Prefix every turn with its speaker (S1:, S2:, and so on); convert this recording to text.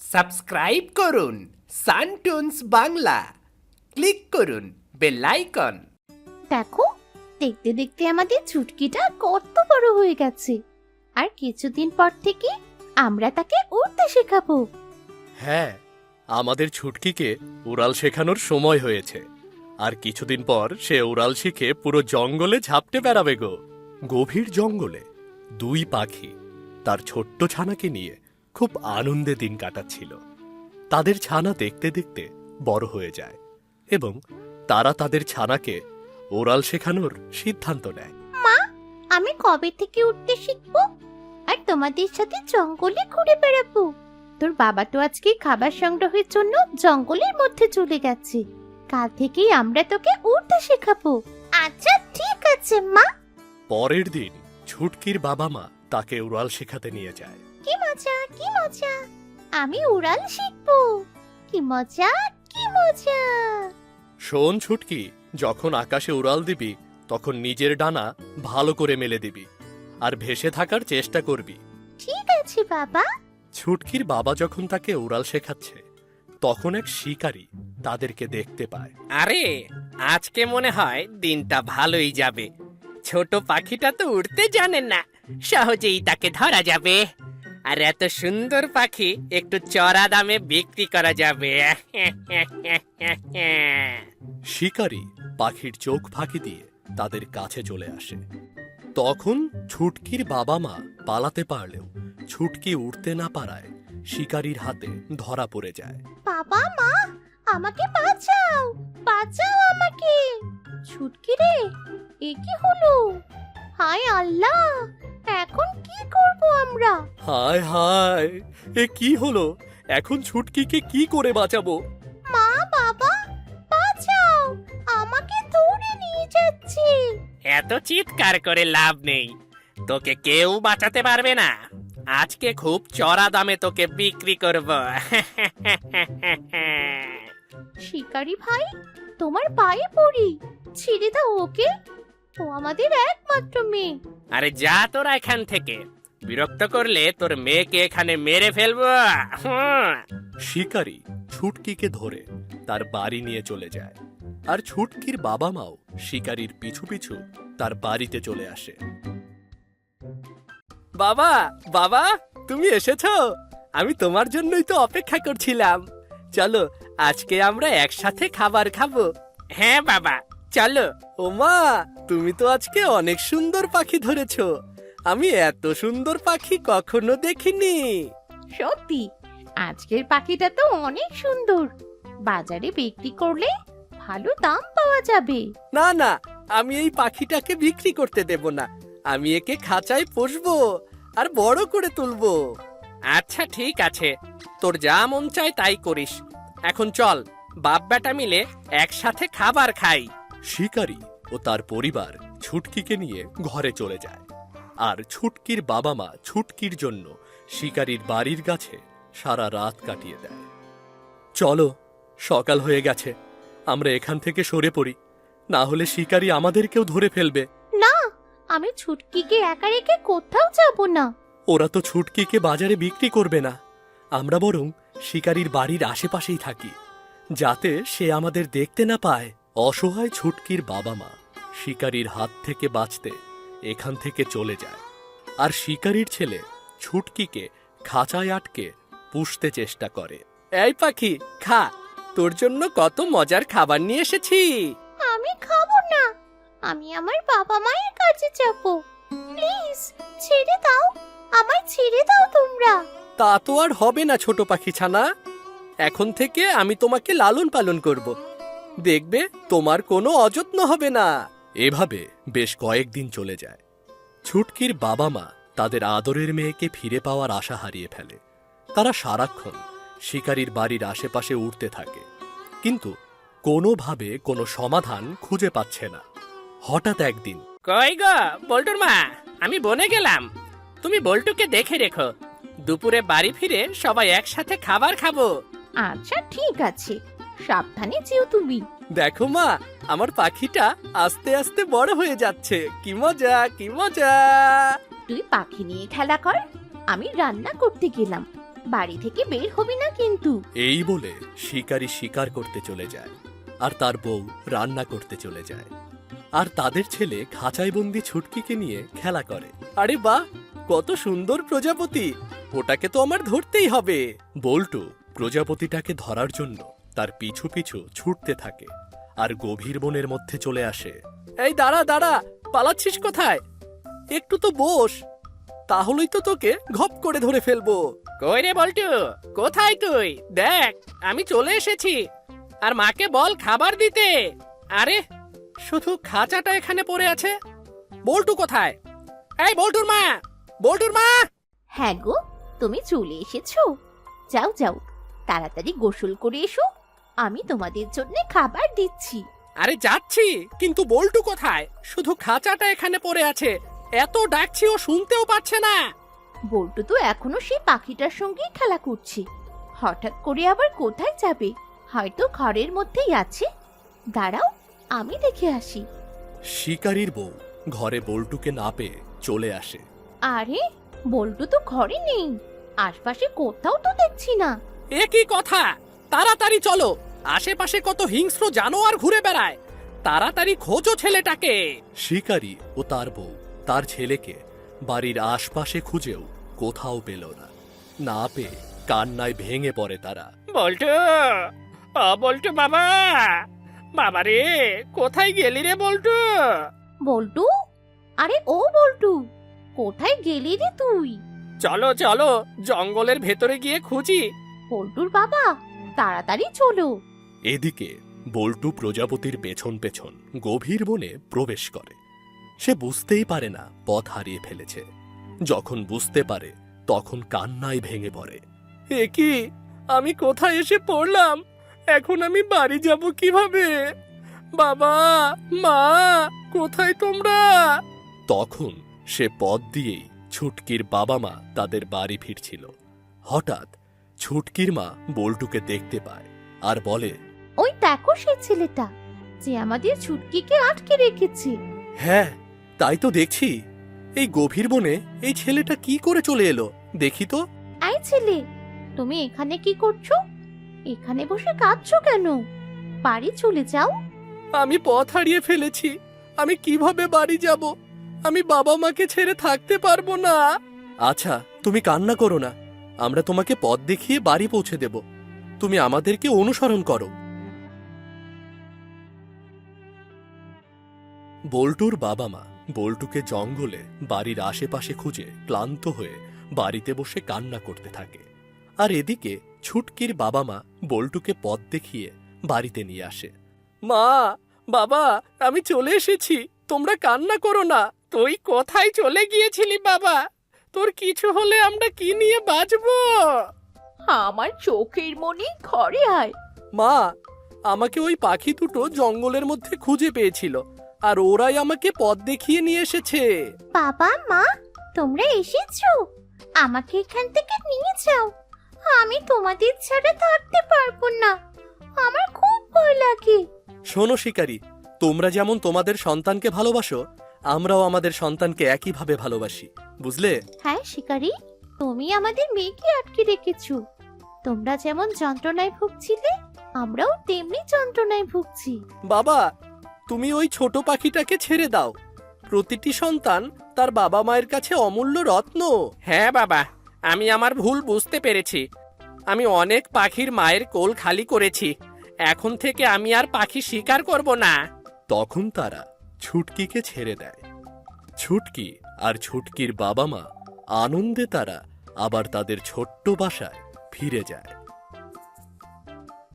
S1: Subscribe করুন সানটুনস Bangla, click করুন বেল আইকন।
S2: দেখো, দেখতে দেখতে আমাদের ছুটকিটা কত বড় হয়ে গেছে। আর কিছুদিন পর থেকে আমরা তাকে উড়তে শেখাবো।
S3: হ্যাঁ, আমাদের ছুটকিকে উড়াল শেখানোর সময় হয়েছে। আর কিছুদিন পর সে উড়াল শিখে পুরো জঙ্গলে ঝাপটে বেড়াবে গো। গভীর জঙ্গলে দুই পাখি তার ছোট্ট ছানাকে নিয়ে খুব আনন্দে দিন কাটাচ্ছিল। তাদের ছানা দেখতে দেখতে বড় হয়ে যায় এবং তারা তাদের ছানাকে ওরাল শেখানোর সিদ্ধান্ত নেয়।
S2: মা, আমি কবে থেকে উঠতে শিখবো আর তোমাদের সাথে জঙ্গলে ঘুরে বেড়াবো? তোর বাবা তো আজকে খাবার সংগ্রহের জন্য জঙ্গলের মধ্যে চলে গেছে। কাল থেকেই আমরা তোকে উড়তে শেখাবো। আচ্ছা ঠিক আছে মা।
S3: পরের দিন ছুটকির বাবা মা তাকে উড়াল শেখাতে নিয়ে যায়।
S2: কি মজা, কি মজা, আমি উড়াল শিখবো। কি মজা, কি মজা।
S3: শোন ছুটকি, যখন আকাশে উড়াল দিবি তখন নিজের ডানা ভালো করে মেলে দিবি আর ভেসে থাকার চেষ্টা করবি।
S2: ঠিক আছে বাবা।
S3: ছুটকির বাবা যখন তাকে উড়াল শেখাচ্ছে তখন এক শিকারী তাদেরকে দেখতে পায়।
S1: আরে, আজকে মনে হয় দিনটা ভালোই যাবে। ছোট পাখিটা তো উড়তে জানে না, সহজেই তাকে ধরা যাবে। আর এত সুন্দর পাখি একটু চড়া দামে বিক্রি করা যাবে।
S3: শিকারী পাখির চোখ ফাঁকি দিয়ে তাদের কাছে চলে আসে। তখন ছুটকির বাবা মা পালাতে পারলেও ছুটকি উড়তে না পারায় শিকারীর হাতে ধরা পড়ে যায়।
S2: বাবা মা, আমাকে বাঁচাও, বাঁচাও আমাকে। ছুটকি রে, এ কি হলো? হায় আল্লাহ, এখন কি করব আমরা?
S3: হায় হায়, এ কি হলো? এখন ছুটকিকে কি করে বাঁচাবো?
S2: মা বাবা, বাঁচাও, আমাকে ধরে নিয়ে যাচ্ছে।
S1: এত চিৎকার করে লাভ নেই, তোকে কেউ বাঁচাতে পারবে না। আজকে খুব চড়া দামে তোকে বিক্রি করব।
S2: শিকারি ভাই, তোমার পায়ে পড়ি, ছেড়ে দাও ওকে। ও আমাদের একমাত্র মেয়ে।
S1: আরে যা তোরা এখান থেকে, বিরক্ত করলে তোর মেয়েকে এখানে মেরে ফেলবো।
S3: শিকারী ছুটকিকে ধরে তার বাড়ি নিয়ে চলে যায় আর ছুটকির বাবা মাও শিকারীর পিছু পিছু তার বাড়িতে চলে আসে। বাবা, বাবা, তুমি এসেছো? আমি তোমার জন্যই তো অপেক্ষা করছিলাম। চলো, আজকে আমরা একসাথে খাবার খাবো।
S1: হ্যাঁ বাবা, চলো।
S3: ওমা, তুমি তো আজকে অনেক সুন্দর পাখি ধরেছো। আমি এত সুন্দর পাখি কখনো দেখিনি।
S2: সত্যি, আজকের পাখিটা তো অনেক সুন্দর। বাজারে বিক্রি করলে ভালো দাম পাওয়া যাবে।
S3: না না, আমি এই পাখিটাকে বিক্রি করতে দেব না। আমি একে খাঁচায় পুষবো আর বড় করে তুলবো।
S1: আচ্ছা ঠিক আছে, তোর যা মন চায় তাই করিস। এখন চল, বাপ বেটা মিলে একসাথে খাবার খাই।
S3: শিকারী ও তার পরিবার ছুটকিকে নিয়ে ঘরে চলে যায় আর ছুটকির বাবা মা ছুটকির জন্য শিকারীর বাড়ির গাছে সারা রাত কাটিয়ে দেয়। চলো, সকাল হয়ে গেছে, আমরা এখান থেকে সরে পড়ি, না হলে শিকারী আমাদেরকেও ধরে ফেলবে।
S2: না, আমি ছুটকিকে একা রেখে কোথাও যাব না।
S3: ওরা তো ছুটকিকে বাজারে বিক্রি করবে না। আমরা বরং শিকারীর বাড়ির আশেপাশেই থাকি, যাতে সে আমাদের দেখতে না পায়। অসহায় ছুটকির বাবা মা শিকারীর হাত থেকে বাঁচতে এখান থেকে চলে যায় আর শিকারীর ছেলে ছুটকিকে খাঁচায় আটকে পুষতে চেষ্টা করে। এই পাখি, খা, তোর জন্য কত মজার খাবার নিয়ে এসেছি।
S2: আমি খাবো না, আমি আমার বাবা মায়ের কাছে যাব। প্লিজ ছেড়ে দাও, আমায় ছেড়ে দাও তোমরা।
S3: তা তো আর হবে না ছোট পাখি ছানা। এখন থেকে আমি তোমাকে লালন পালন করব। দেখবে তোমার কোনো অযত্ন হবে না। এভাবে বেশ কয়েকদিন চলে যায়। ছুটকির বাবা মা তাদের আদরের মেয়েকে ফিরে পাওয়ার আশা হারিয়ে ফেলে। তারা সারাক্ষণ শিকারীর বাড়ির আশেপাশে উড়তে থাকে, কিন্তু কোনোভাবে কোনো সমাধান খুঁজে পাচ্ছে না। হঠাৎ একদিন,
S1: কই গো বল্টুর মা, আমি বনে গেলাম। তুমি বল্টুকে দেখে রেখো, দুপুরে বাড়ি ফিরে সবাই একসাথে খাবার খাবো।
S2: আচ্ছা ঠিক আছে, সাবধানে যেও তুমি।
S3: দেখো মা, আমার পাখিটা আস্তে আস্তে বড় হয়ে যাচ্ছে। কি মজা, কি মজা।
S2: তুই পাখি নিয়ে খেলা কর, আমি রান্না করতে গেলাম। বাড়ি থেকে বের হবি না কিন্তু।
S3: এই বলে শিকারী শিকার করতে চলে যায় আর তার বউ রান্না করতে চলে যায় আর তাদের ছেলে খাঁচায় বন্দি ছুটকিকে নিয়ে খেলা করে। আরে বাহ, কত সুন্দর প্রজাপতি, ওটাকে তো আমার ধরতেই হবে। বল্টু প্রজাপতিটাকে ধরার জন্য তার পিছু পিছু ছুটতে থাকে আর গভীর বনের মধ্যে চলে আসে। এই দাঁড়া দাঁড়া, পালাচ্ছিস কোথায়? একটু তো বস, তাহলেই তো তোকে ঘপ করে ধরে ফেলবো।
S1: কই রে বল্টু, কোথায় তুই? দেখ আমি চলে এসেছি। আর মাকে বল খাবার দিতে। আরে শুধু খাঁচাটা এখানে পড়ে আছে, বল্টু কোথায়? এই বল্টুর মা, বল্টুর মা!
S2: হ্যাঁ গো, তুমি চলে এসেছো। যাও যাও, তাড়াতাড়ি গোসল করে এসো, আমি তোমাদের জন্য খাবার দিচ্ছি।
S1: আরে যাচ্ছি, কিন্তু বল্টু কোথায়? শুধু খাঁচাটা এখানে পড়ে আছে, এত ডাকছি ও শুনতেও পাচ্ছে না।
S2: বল্টু তো এখনো সেই পাখিটার সঙ্গেই খেলা করছে, হঠাৎ করে আবার কোথায় যাবে? হয়তো ঘরের মধ্যেই আছে। দাঁড়াও, আমি দেখে আসি।
S3: শিকারীর বউ ঘরে বল্টুকে না পেয়ে চলে আসে।
S2: আরে, বল্টু তো ঘরে নেই, আশপাশে কোথাও তো দেখছি না।
S1: এ কি কথা? তাড়াতাড়ি চলো, আশেপাশে কত হিংস্র জানোয়ার ঘুরে বেড়ায়, তাড়াতাড়ি খোঁজো ছেলেটাকে।
S3: শিকারী ও তার বউ তার ছেলেকে বাড়ির আশপাশে খুঁজেও কোথাও পেল না। না পেয়ে কান্নায় ভেঙে পড়ে তারা।
S1: বল্টু, ও বল্টু বাবা, বাবা রে, কোথায় গেলি রে বল্টু?
S2: বল্টু, আরে ও বল্টু, কোথায় গেলি রে তুই?
S1: চলো চলো, জঙ্গলের ভেতরে গিয়ে খুঁজি।
S2: বল্টুর বাবা, তাড়াতাড়ি চলো।
S3: এদিকে বল্টু প্রজাপতির পেছন পেছন গভীর বনে প্রবেশ করে। সে বুঝতেই পারে না পথ হারিয়ে ফেলেছে। যখন বুঝতে পারে তখন কান্নায় ভেঙে পড়ে। এ কি, আমি কোথায় এসে পড়লাম? এখন আমি বাড়ি যাব কিভাবে? বাবা, মা, কোথায় তোমরা? তখন সে পথ দিয়েই ছুটকির বাবা মা তাদের বাড়ি ফিরছিল। হঠাৎ ছুটকির মা বল্টুকে দেখতে পায় আর বলে,
S2: ওই দেখো সেই ছেলেটা যে আমাদের ছুটকিকে আটকে রেখেছে।
S3: হ্যাঁ, তাই তো দেখছি। এই গভীর বনে এই ছেলেটা কি করে চলে এলো দেখি তো।
S2: এই ছেলে, তুমি এখানে কি করছো? এখানে বসে কাঁদছো কেন? বাড়ি চলে যাও।
S3: আমি পথ হারিয়ে ফেলেছি, আমি কিভাবে বাড়ি যাব? আমি বাবা মাকে ছেড়ে থাকতে পারবো না। আচ্ছা, তুমি কান্না করো না, আমরা তোমাকে পথ দেখিয়ে বাড়ি পৌঁছে দেব। তুমি আমাদেরকে অনুসরণ করো। বল্টুর বাবা মা বল্টুকে জঙ্গলে বাড়ির আশেপাশে খুঁজে ক্লান্ত হয়ে বাড়িতে বসে কান্না করতে থাকে। আর এদিকে ছুটকির বাবা মা বল্টুকে পথ দেখিয়ে বাড়িতে নিয়ে আসে। মা, বাবা, আমি চলে এসেছি, তোমরা কান্না করো না।
S1: তুই কোথায় চলে গিয়েছিলি বাবা? তোর কিছু হলে আমরা কি নিয়ে বাঁচবো?
S2: আমার চোখের মনি, ঘরে আয়।
S3: মা, আমাকে ওই পাখি দুটো জঙ্গলের মধ্যে খুঁজে পেয়েছিল আর ওরাই আমাকে পথ দেখিয়ে নিয়ে এসেছে।
S2: বাবা, মা, তোমরা এসেছো? আমাকে এখান থেকে নিয়ে যাও, আমি তোমাদের ছাড়া থাকতে পারবো না, আমার খুব ভয় লাগে।
S3: শোনো শিকারী, তোমরা যেমন তোমাদের সন্তানকে ভালোবাসো, আমরাও আমাদের সন্তানকে একইভাবে ভালোবাসি, বুঝলে?
S2: হ্যাঁ শিকারী, তুমি আমাদের মেয়েকে আটকে রেখেছো। তোমরা যেমন যন্ত্রণায় ভুগছিলে, আমরাও তেমনি যন্ত্রণায় ভুগছি।
S3: বাবা, তুমি ওই ছোট পাখিটাকে ছেড়ে দাও। প্রতিটি সন্তান তার বাবা মায়ের কাছে অমূল্য রত্ন।
S1: হ্যাঁ বাবা, আমি আমার ভুল বুঝতে পেরেছি। আমি অনেক পাখির মায়ের কোল খালি করেছি, এখন থেকে আমি আর পাখি শিকার করব না।
S3: তখন তারা ছুটকিকে ছেড়ে দেয়। ছুটকি আর ছুটকির বাবা মা আনন্দে তারা আবার তাদের ছোট্ট বাসায় ফিরে যায়।